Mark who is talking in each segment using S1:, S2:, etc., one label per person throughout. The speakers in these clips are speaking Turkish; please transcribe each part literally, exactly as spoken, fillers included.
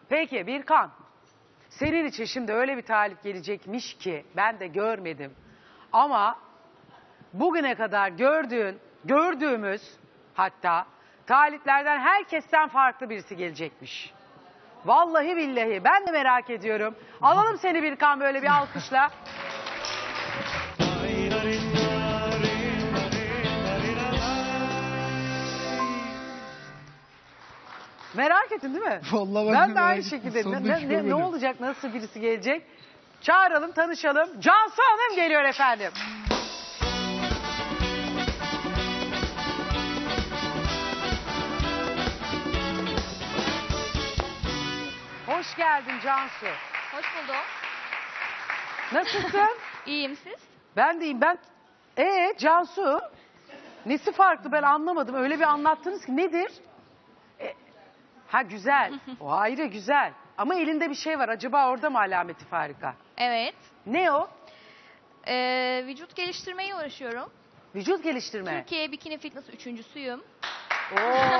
S1: Peki Birkan, senin için şimdi öyle bir talip gelecekmiş ki ben de görmedim. Ama bugüne kadar gördüğün, gördüğümüz hatta taliplerden herkesten farklı birisi gelecekmiş. Vallahi billahi ben de merak ediyorum. Alalım seni Birkan böyle bir alkışla. Merak ettin değil mi?
S2: Vallahi ben,
S1: ben
S2: de
S1: de aynı
S2: merak
S1: şekilde.
S2: ettim.
S1: Ne,
S2: Sonunda hiç
S1: ne, ne
S2: görmedim.
S1: olacak, nasıl birisi gelecek? Çağıralım, tanışalım. Cansu Hanım geliyor efendim. Hoş geldin Cansu.
S3: Hoş buldum.
S1: Nasılsın?
S3: İyiyim siz?
S1: Ben deyim ben. Ee Cansu, nesi farklı ben anlamadım. Öyle bir anlattınız ki nedir? E, ha güzel. O ayrı güzel. Ama elinde bir şey var. Acaba orada mı alameti farika?
S3: Evet.
S1: Ne o?
S3: Ee, vücut geliştirmeye uğraşıyorum.
S1: Vücut geliştirme.
S3: Türkiye Bikini Fitness üçüncüsüyüm.
S1: Oo.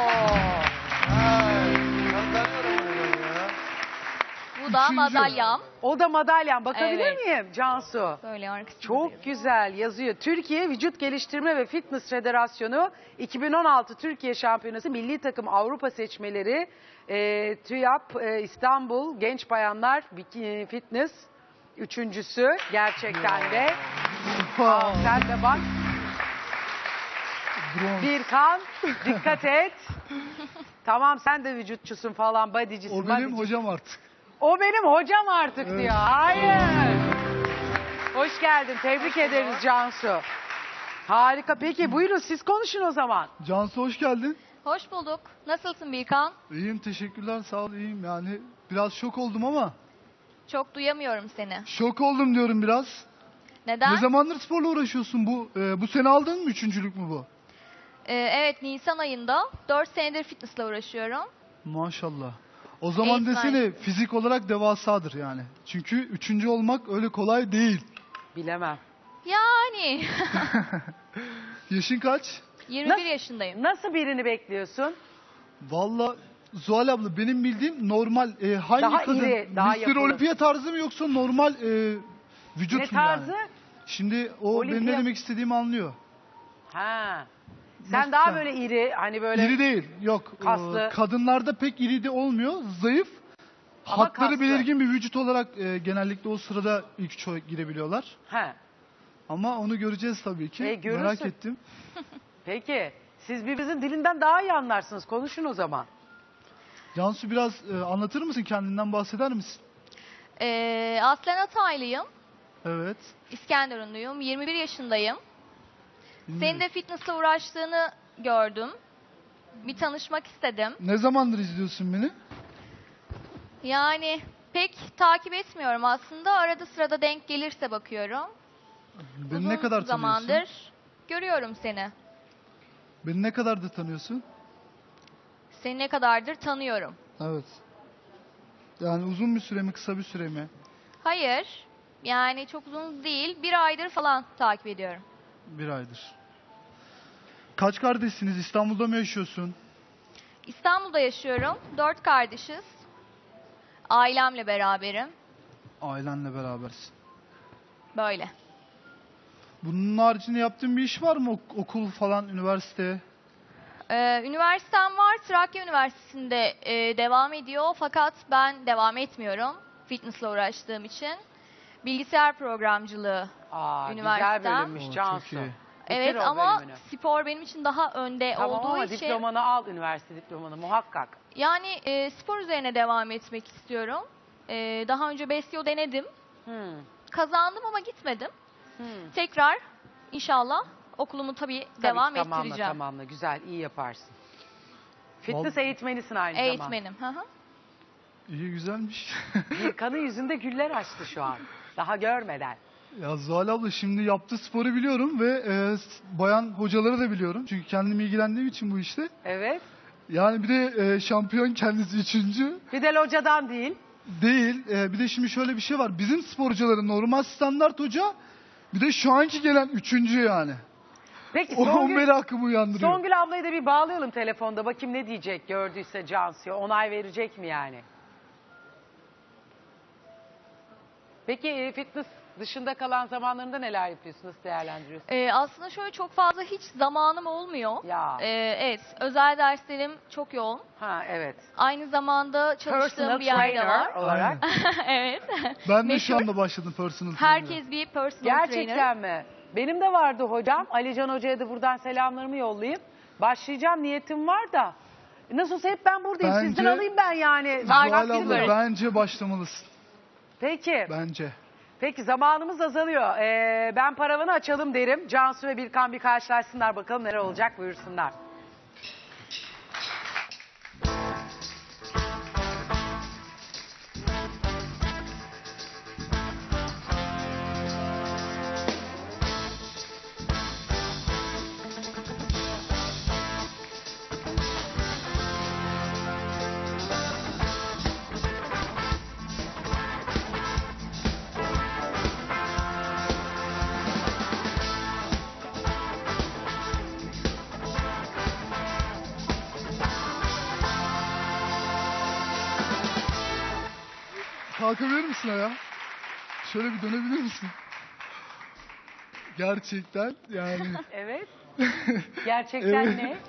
S3: Bu da
S2: Üçüncü.
S3: madalyam.
S1: O da madalyan. Bakabilir
S3: Evet.
S1: miyim Cansu?
S3: Böyle arkasında.
S1: Çok güzel yazıyor. Türkiye Vücut Geliştirme ve Fitness Federasyonu iki bin on altı Türkiye Şampiyonası Milli Takım Avrupa Seçmeleri e, TÜYAP e, İstanbul Genç Bayanlar Bikini Fitness üçüncüsü gerçekten de. Aa, sen de bak.
S2: Bronz.
S1: Birkan dikkat et. Tamam sen de vücutçusun falan, bodycisin.
S2: O benim
S1: bodycisin.
S2: hocam artık.
S1: O benim hocam artık
S2: Evet.
S1: diyor. Hayır. Hoş geldin. Tebrik ederiz Cansu. Harika. Peki buyurun siz konuşun o zaman.
S2: Cansu hoş geldin.
S3: Hoş bulduk. Nasılsın Birkan?
S2: İyiyim teşekkürler sağ ol iyiyim yani biraz şok oldum ama.
S3: Çok duyamıyorum seni.
S2: Şok oldum diyorum biraz.
S3: Neden?
S2: Ne zamandır sporla uğraşıyorsun bu? E, bu sene aldın mı üçüncülük mü bu?
S3: Ee, evet, Nisan ayında dört senedir fitnessla uğraşıyorum.
S2: Maşallah. O zaman
S3: Eğitmen.
S2: desene fizik olarak devasadır yani. Çünkü üçüncü olmak öyle kolay değil.
S1: Bilemem.
S3: Yani.
S2: Yaşın kaç?
S3: yirmi bir
S1: Nasıl-
S3: yaşındayım.
S1: Nasıl birini bekliyorsun?
S2: Valla Zuhal abla benim bildiğim normal e, hangi
S1: Daha
S2: kadın?
S1: iri, daha
S2: mister
S1: yapılı.
S2: Olimpiya tarzı mı yoksa normal e, vücut
S1: Ne
S2: mu
S1: tarzı?
S2: yani? Şimdi o benim
S1: Olimpiya-
S2: ne demek istediğimi anlıyor.
S1: Ha. Sen
S2: Nasıl
S1: daha
S2: sen?
S1: böyle iri, hani böyle
S2: İri değil. Yok. e,
S1: kaslı.
S2: kadınlarda pek iri de olmuyor. Zayıf.
S1: Ama
S2: Hatları
S1: kaslı.
S2: belirgin bir vücut olarak e, genellikle o sırada ilk çoğu girebiliyorlar.
S1: Ha.
S2: Ama onu göreceğiz tabii ki.
S1: E, görürsün.
S2: Merak ettim.
S1: Peki. Siz birbirinizin dilinden daha iyi anlarsınız. Konuşun o zaman.
S2: Cansu biraz e, anlatır mısın? Kendinden bahseder misin?
S3: Ee, aslen Hataylıyım.
S2: Evet.
S3: İskenderunluyum. yirmi bir yaşındayım.
S2: Dinliyorum.
S3: Senin de fitnessla uğraştığını gördüm. Bir tanışmak istedim.
S2: Ne zamandır izliyorsun beni?
S3: Yani pek takip etmiyorum aslında. Arada sırada denk gelirse bakıyorum.
S2: Beni
S3: Uzun
S2: ne kadar tanıyorsun?
S3: zamandır görüyorum seni.
S2: Beni ne kadardır tanıyorsun?
S3: Seni ne kadardır tanıyorum.
S2: Evet. Yani uzun bir süre mi, kısa bir süre mi?
S3: Hayır. Yani çok uzun değil. Bir aydır falan takip ediyorum.
S2: Bir aydır. Kaç kardeşsiniz? İstanbul'da mı yaşıyorsun?
S3: İstanbul'da yaşıyorum. Dört kardeşiz. Ailemle beraberim.
S2: Ailenle berabersin.
S3: Böyle.
S2: Bunun haricinde yaptığın bir iş var mı? Ok- okul falan, üniversite?
S3: Ee, üniversitem var. Trakya Üniversitesi'nde e, devam ediyor. Fakat ben devam etmiyorum. Fitnessla uğraştığım için. Bilgisayar programcılığı.
S1: Aa,
S3: Üniversite.
S1: güzel bölünmüş
S2: Oo,
S1: Cansu.
S2: çok iyi.
S1: Bitir
S3: Evet
S1: o
S3: ama
S1: bölümünü.
S3: spor benim için daha önde
S1: Tamam
S3: olduğu
S1: ama
S3: için.
S1: diplomanı al, üniversite diplomanı muhakkak.
S3: Yani e, spor üzerine devam etmek istiyorum. E, daha önce Besyo denedim.
S1: Hmm.
S3: Kazandım ama gitmedim.
S1: Hmm.
S3: Tekrar inşallah okulumu tabii,
S1: Tabii
S3: devam
S1: ki, tamamla,
S3: ettireceğim.
S1: Tamamla, güzel, iyi yaparsın. Fitness
S2: Vallahi-
S1: eğitmenisin aynı zamanda.
S3: Eğitmenim. Hı hı.
S2: İyi, güzelmiş.
S1: Birkan'ın yüzünde güller açtı şu an. Daha görmeden.
S2: Ya Zuhal abla şimdi yaptığı sporu biliyorum ve e, s- bayan hocaları da biliyorum. Çünkü kendim ilgilendiğim için bu işte.
S1: Evet.
S2: Yani bir de e, şampiyon kendisi üçüncü.
S1: Bir de locadan değil.
S2: Değil. E, bir de şimdi şöyle bir şey var. Bizim sporcuların normal standart hoca, bir de şu anki gelen üçüncü yani.
S1: Peki
S2: O, o
S1: Songül,
S2: merakımı uyandırıyor.
S1: Songül ablayı da bir bağlayalım telefonda. Bakayım ne diyecek gördüyse Cansu'ya. Onay verecek mi yani? Peki e, fitness dışında kalan zamanlarında neler yapıyorsun? Nasıl değerlendiriyorsun?
S3: Ee, aslında şöyle çok fazla hiç zamanım olmuyor.
S1: Ya.
S3: Ee, evet, özel derslerim çok yoğun.
S1: Ha evet.
S3: Aynı zamanda çalıştığım
S1: Personal
S3: bir yerde
S1: trainer
S3: var.
S1: olarak.
S3: Evet.
S2: Ben de şu
S3: Meşhur.
S2: anda başladım personal trainer'a.
S3: Herkes bir personal trainer.
S1: Gerçekten mi? Benim de vardı hocam. Alican Hoca'ya da buradan selamlarımı yollayayım. Başlayacağım, niyetim var da. Nasıl olsa hep ben buradayım.
S2: Bence-
S1: Sizden alayım ben yani.
S2: Zuhal
S1: Vaktim
S2: abla
S1: böyle.
S2: bence başlamalısın.
S1: Peki.
S2: Bence.
S1: Peki zamanımız azalıyor. Ee, ben paravanı açalım derim. Cansu ve Birkan bir karşılaşsınlar, bakalım neler olacak, buyursunlar.
S2: Kalkabilir misin ya? Şöyle bir dönebilir misin? Gerçekten yani
S1: Evet. Gerçekten
S2: Evet.
S1: ne?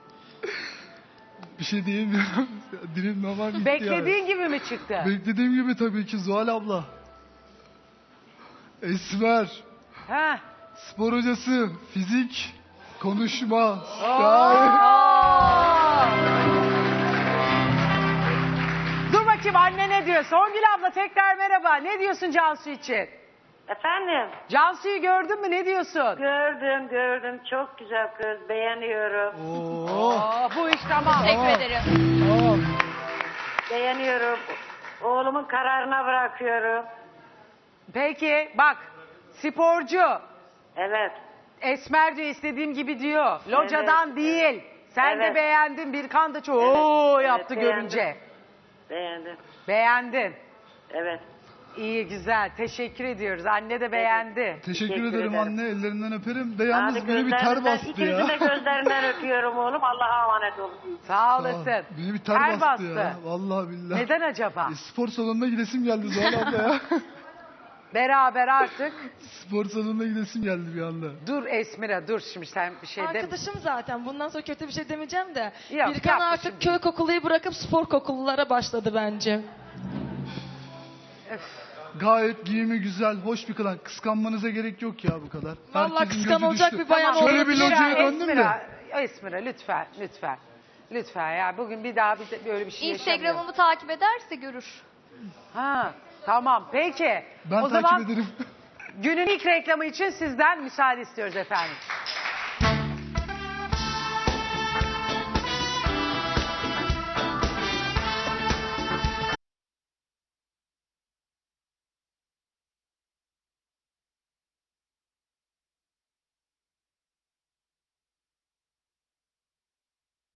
S2: bir şey diyemiyorum. Dilim normal gitti
S1: Beklediğin gibi mi çıktı?
S2: yani. Beklediğim gibi tabii ki Zuhal abla. Esmer,
S1: Ha.
S2: spor hocası, fizik, konuşma.
S1: Dur bakayım anne ne diyor? Songül abla tekrar merhaba. Ne diyorsun Cansu için?
S4: Efendim,
S1: Cansu'yu gördün mü? Ne diyorsun?
S4: gördüm gördüm, çok güzel kız, beğeniyorum,
S2: Oo,
S1: Oh, bu iş tamam.
S3: Teşekkür ederim.
S2: tamam.
S4: beğeniyorum. Oğlumun kararına bırakıyorum.
S1: Peki bak, sporcu.
S4: Evet,
S1: Esmer diyor, istediğim gibi diyor. Locadan değil. Sen de
S4: Evet.
S1: beğendin. Birkan da çok
S4: Evet.
S1: "Oo"
S4: Evet,
S1: yaptı
S4: beğendim.
S1: görünce.
S4: beğendim.
S1: Beğendin.
S4: Evet,
S1: İyi, güzel. Teşekkür ediyoruz. Anne de beğendi.
S2: Teşekkür,
S4: Teşekkür
S2: ederim
S4: ederim.
S2: anne, ellerinden öperim. De yalnız
S4: Hadi
S2: beni bir ter
S4: gözlerinden-
S2: bastı
S4: İkinizin
S2: ya.
S4: de gözlerinden öpüyorum oğlum, Allah'a emanet olun.
S1: Sağ
S2: Sağ ol.
S1: olasın.
S2: Beni bir ter, bastı, ya. Vallahi billahi.
S1: Neden acaba?
S2: E, spor salonuna gidesim geldi Zuhal abla ya.
S1: Beraber artık.
S2: Spor salonuna gidesim geldi bir anda.
S1: Dur Esmira dur, şimdi sen bir şey de.
S5: Arkadaşım zaten. Bundan sonra kötü bir şey demeyeceğim de.
S1: Yok,
S5: Birkan
S1: yapma
S5: artık
S1: şimdi.
S5: köy kokuluyu bırakıp spor kokululara başladı bence.
S2: Gayet giyimi güzel, hoş bir kadın. Kıskanmanıza gerek yok ya bu kadar.
S5: Vallahi
S2: Herkesin
S5: kıskan
S2: gözü
S5: olacak
S2: düştü.
S5: bir bayan
S1: Tamam,
S2: Şöyle
S5: olduğunu
S2: bir
S1: Esmira,
S2: locaya döndüm de.
S1: Esmira, Esmira lütfen lütfen. Lütfen ya, bugün bir daha bir de böyle bir şey yaşamayalım.
S3: Instagram'ımı takip ederse görür.
S1: Ha, tamam peki.
S2: Ben
S1: o
S2: takip
S1: zaman
S2: ederim.
S1: günün ilk reklamı için sizden müsaade istiyoruz efendim.